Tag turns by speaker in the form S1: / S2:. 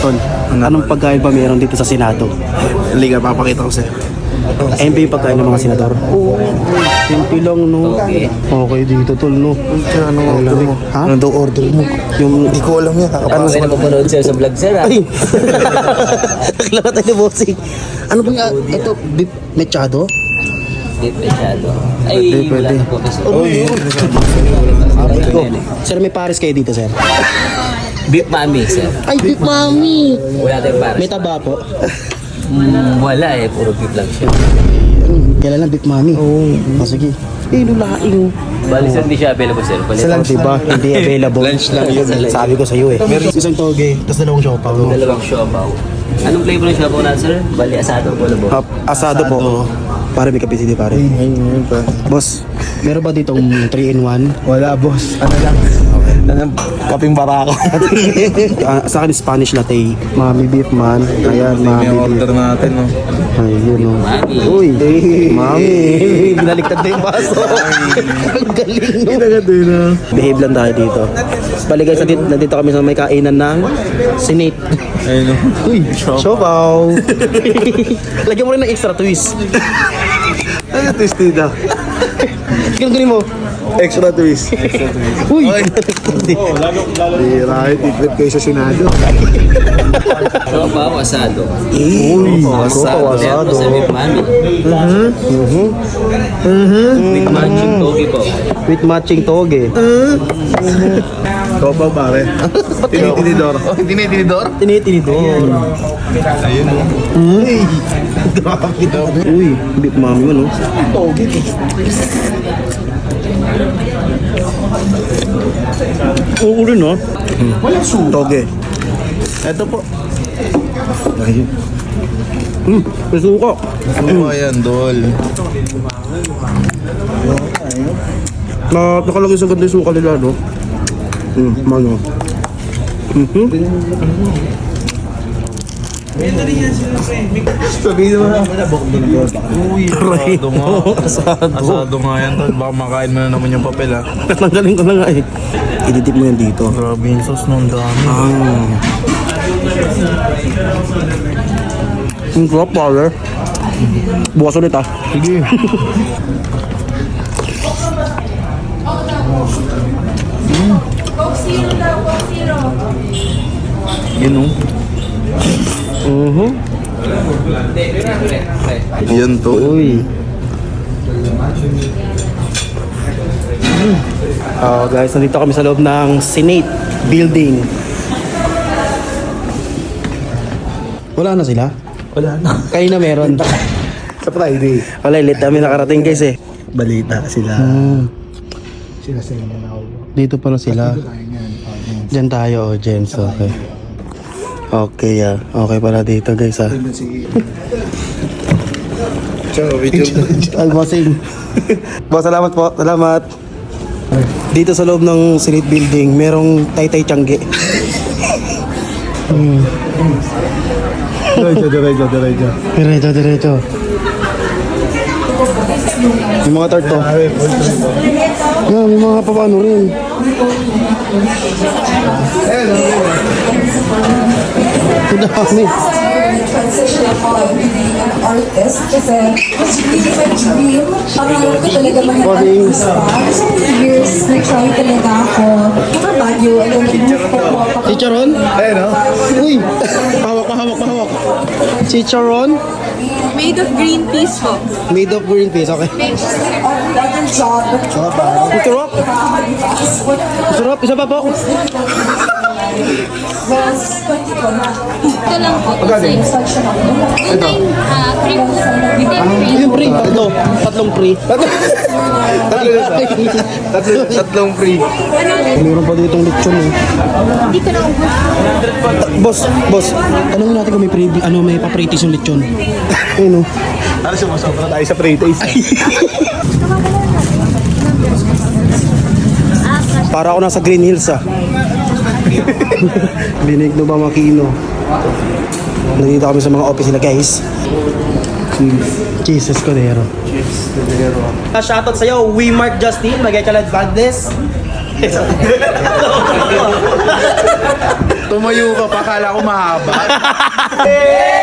S1: tol. Anong pagkain ba meron dito sa Senado?
S2: Liga, papakita ko sa'yo.
S1: Ayun ba yung pagkain ng mga senador? Oo. Simple lang, no? Okay dito, tol, no?
S2: Ano order mo?
S1: Ha?
S2: Ano daw order mo?
S1: Yung...
S2: Hindi ko alam yan.
S3: Ano kayo napapanood siya sa vlog, sir?
S1: Ay! Naklaro tayo, bossing. Ano ba nga? Ito, beef mechado?
S3: Hindi masyado. Ay, wala na po kasi.
S1: Sir, may pares kayo dito, sir?
S3: Beef mami, sir.
S1: Ay, beef mami!
S3: Wala tayong pares.
S1: May taba po.
S3: Wala eh, puro beef lang siya.
S1: Kailan lang beef mami? Oo. Oh, sige. Lulaing.
S3: Bali, sir, hindi siya available, sir. Bali,
S1: Oh, diba? Hindi available.
S2: Lunch lang yun.
S1: Sabi ko sa'yo eh. Meron isang toge, tapos dalawang siopaw.
S3: dalawang siopaw. Anong flavor ng siopaw na, sir? Bali, asado po na po.
S1: Asado po. Pare, may kapitid pare.
S2: Ayun pa.
S1: Boss, meron ba ditong 3-in-1?
S2: Wala, boss. Ano lang? Ano, kaping barako.
S1: Sa akin, Spanish latte. Mami beef man. Ayan,
S2: May
S1: mami beef.
S2: order natin, no?
S1: Ayun, no.
S3: Mami.
S1: Uy, mami. Binaliktad na yung baso. Ang galing, no? Behave lang tayo dito. Bali guys, nandito kami sa may kainan ng Senate.
S2: Ayun, no?
S1: Uy, siopaw. Lagyan mo rin ng extra twist.
S2: Ano twist nito?
S1: Ganun mo.
S2: Extra twist.
S1: Uy!
S2: Di, right. I-trip kayo sa Senado.
S3: Siopaw, asado.
S1: Uy!
S2: Asado.
S3: Meron po sa beef mami. Beef matching togi po.
S1: With matching toge.
S2: Ikaw pa, pare. Tinitinidor. Oh, tinitinidor?
S1: Tinitinidor.
S2: Ayun, no?
S1: Uy! Grabe. Uy, beef mami mo, no? Toge. Oo rin, no?
S2: Wala suka.
S1: Toge.
S2: Ito po.
S1: Ayun. May suka.
S2: Ano ba yan, Dol?
S1: Nakalagay sa ganda yung suka nila, no? Mano.
S2: Sabihin mo na. Uy, asado nga. Asado nga yan, Dol. Baka makain mo na naman yung papel, ha?
S1: Natanggalin ko na nga eh. Ididip mo yan dito.
S2: Grabe yung sauce nung dami.
S1: Ang sarap, pare. Bukas ulit, ah.
S2: Sige. Yun, oh. Yan to.
S1: Uy. Guys, nandito kami sa loob ng Senate building. Wala na sila?
S2: Wala na.
S1: Kayo na meron.
S2: Sa Friday.
S1: Wala, late kami nakarating guys eh.
S2: Balita sila. Sila sa inyo na ako.
S1: Dito pala sila. Diyan tayo, Jens. Okay. Okay, okay pala dito guys, ah.
S2: Ciao, video.
S1: Ay, bossing. Boss, salamat po. Salamat. Dito sa loob ng Senate building, merong Taytay Tiangge.
S2: Diretso.
S1: Diretso. May mga tarto. Yeah, may mga papaano rin. Ang dami.
S4: Transition of being an artist kasi it's really my dream. Pangarap ko talaga
S1: Morning.
S4: So many years, nag-try talaga ako. Mga Baguio, alam mo,
S1: Chicharon?
S2: Ayun, no?
S1: Uy! Pahawak. Chicharon?
S5: Made of green peas po.
S1: Made of green peas, okay.
S4: ang job.
S1: Sarap. Sarap, isa pa po.
S5: Ito lang po. Ito free po.
S1: Yung free, tatlong free.
S2: Tatlong free.
S1: Meron pa ditong lechon eh.
S5: Hindi ko na ubos.
S1: Boss, tanongin natin kung may may papritis yung lechon. Ayun oh.
S2: Ano sumasobra tayo sa pre-taste?
S1: Para ako nasa Green Hills ah. Binig no ba makino. Nandito kami sa mga office nila guys. Jesus Cordero. Shoutout sa'yo, We Mark Justin, Magay Kalad Valdez.
S2: Tumayo ka pa, kala ko mahaba.